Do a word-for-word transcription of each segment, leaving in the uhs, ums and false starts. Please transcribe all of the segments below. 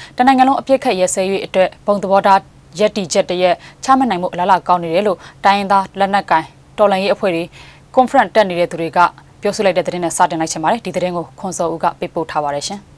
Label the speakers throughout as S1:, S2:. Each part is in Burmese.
S1: တနိုင်ငံလုံးအပြစ်ခတ်ရဲစဲ၍အတွက်ပုံသဘောထားရက်တီချက်တရက်ချမှတ်နိုင်မှုအလားအလာကောင်းနေတယ်လို့တိုင်းရင်းသားလက်နက်ကိုင်တော်လှန်ရေးအဖွဲ့တွေ conference တက်နေတဲ့သူတွေကပြောဆိုလိုက်တဲ့သတင်းနဲ့စတင်လိုက်ချင်ပါတယ်ဒီသတင်းကိုခွန်စောဦးကပေးပို့ထားပါတယ်ရှင်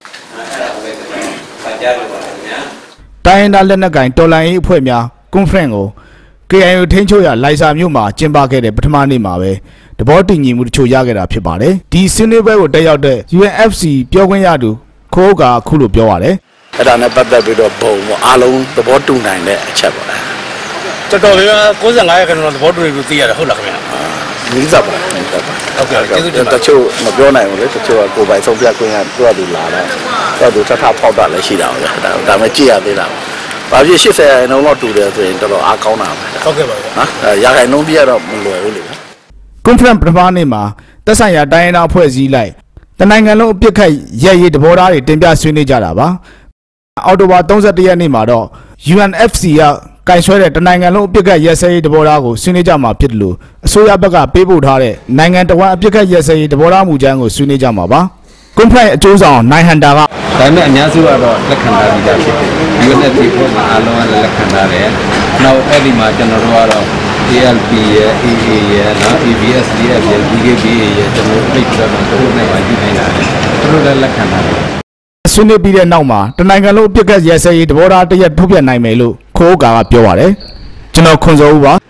S2: တိုင်းရင်းသားလက်နက်ကိုင်တော်လှန်ရေးအဖွဲ့များ conference ကို K I O ထိန်းချုပ်ရလိုင်စာမြို့မှာကျင်းပခဲ့တဲ့ပထမနေ့မှာပဲတဘောတည်ညီမှုတချို့ရခဲ့တာဖြစ်ပါတယ်ဒီစင်းနေပွဲကိုတက်ရောက်တဲ့ U N F C ပြောခွင့်ရသူခိုးကအခုလိုပြောပါတယ်
S3: အဲ့ဒါနဲ့ပတ်သက်ပြီးတော့ဘုံအားလုံးသဘောတူနိုင်တဲ့အချက်ပါ
S4: တော်တော်လေး၉၅ရာခိုင်နှုန်းသဘောတူလို့သိရတယ်ဟုတ်လားခင်ဗျာ
S3: နီးစပ်ပါနီးစပ်ပါ
S4: ဟုတ်ကဲ့ကျေးဇူးတင်ပါ
S3: တချို့မပြောနိုင်ဘူးလေတချို့ကကိုယ်ပိုင်ဆုံးဖြတ်ခွင့်ရသူ့အတူလာတော့သူထထဖောက်တာလည်းရှိတာပဲဒါဒါမှကြည့်ရသေးတာဘာဖြစ်၈၀ရာခိုင်နှုန်းလောက်တူတယ်ဆိုရင်တော်တော်အားကောင်းတာပဲ
S4: ဟုတ်ကဲ့ပါ
S3: နော်ရာခိုင်နှုန်းပြရတော့မလွယ်ဘူးလေ
S2: conference ပထမနေ့မှာသက်ဆိုင်ရာတိုင်းရင်းသားအဖွဲ့အစည်းလိုက်တနိုင်ငံလုံးအပြစ်ခတ်ရဲရဲတဘောသားတွေတင်ပြဆွေးနွေးကြတာပါအောက်တိုဘာ၃၁ရက်နေ့မှာတော့ U N F C ကကင်ဆွဲတဲ့တနိုင်ငံလုံးအပြစ်ခတ်ရဲစဲရေးတဘောသားကိုဆွေးနွေးကြမှာဖြစ်တယ်လို့အစိုးရဘက်ကပေးပို့ထားတဲ့နိုင်ငံတော်အပြစ်ခတ်ရဲစဲရေးတဘောသားမူကြမ်းကိုဆွေးနွေးကြမှာပါconference အကျိုးဆောင်နိုင်ဟန်တာက
S5: ဒါပေမဲ့အများစုကတော့လက်ခံထားပြီးသားဖြစ်တယ် U N F C ဖွဲ့မှာအားလုံးကလက်ခံထားတယ်နောက်အဲ့ဒီမှာကျွန်တော်တို့ကတော့ A L P ရဲ့ A A ရဲ့နော် A B S D F ရဲ့ D K B A ရဲ့ကျွန်တော်တို့ပြတော့သူတို့နဲ့မှကြည့်နေတာတယ်သူတို့လည်းလက်ခံထားတယ်
S2: ဆွေးနွေးပြီးတဲ့နောက်မှာတနိုင်ငံလုံးအပြစ်ခတ်ရဲစဲရေးတဘောသားတရက်ထုတ်ပြန်နိုင်မယ်လို့ခိုးကာကပြောပါတယ်ကျွန်တော်ခွန်စောဦးပါ